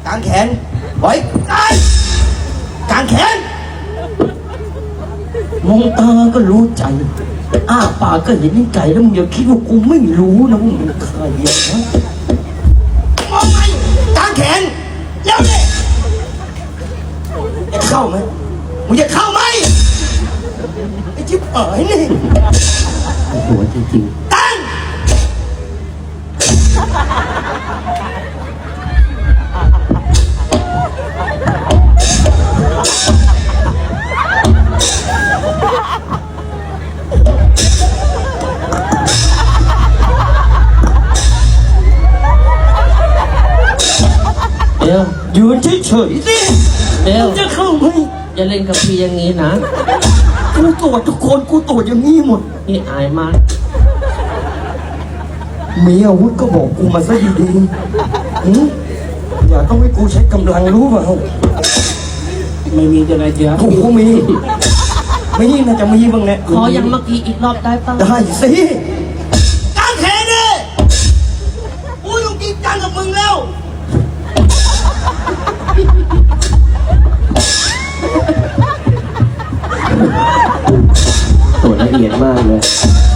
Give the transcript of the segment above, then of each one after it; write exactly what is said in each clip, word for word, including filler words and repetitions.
กางแขนไว้ไอ้กางแขนมองตาก็รู้ใจอ้าปากก็เห็นไก่แล้วมึงอย่าคิดว่ากูไม่รู้นะมึงเป็นใครนะมองไงกางแขนแล้วเนี่ยจะเข้าไหมมึงจะเข้าไหมไอ้ชิบหายนี่หัวจริงๆตั้งเดี๋ยวยืนเฉยๆสิเดี๋ยวจะเข้าไหมอย่าเล่นกับพี่อย่างนี้นะกูตรวจทุกคนกูตรวจอย่างนี้หมดนี่อายมากมีอาวุธก็บอกกูมาซะดีๆหืมอย่าต้องให้กูใช้กำลังรู้เปล่าไม่มีจะอะไรเยอะกูมีไม่ยิ่งน่าจะมีบ้างแหละขอยังเมื่อกี้อีกรอบได้ป่ะได้สิกางแขนเนี่ยกูต้องจริงจังกับมึงแล้วตัวละเอียดมากเลย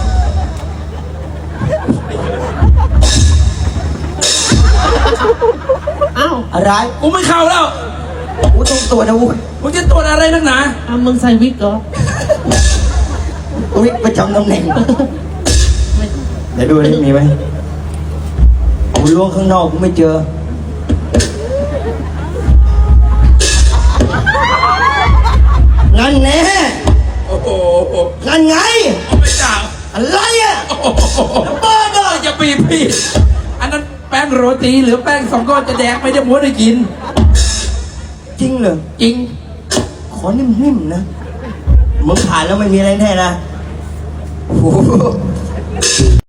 อ้าวอะไรกูไม่เข้าแล้วกูต้องตรวจอาวุธมึงจะตรวจอะไรนักหนาอ้าวมึงใส่วิกเหรอวิกประจำตำแหน่งเดี๋ยวดูนี่มีไหมกูล้วงข้างนอกกูไม่เจอนั่นแน่โอ้โหนั่นไงไม่จ่าอะไรอ่ะโอ้โหบ้าเด้ออย่าปีพี่อันนั้นแป้งโรตีหรือแป้งสองก้อนจะแดกไม่ได้ม้วนได้กินจริงเหรอจริงขอนิ่มๆนะมึงผ่านแล้วไม่มีอะไรแน่นะโอ้โห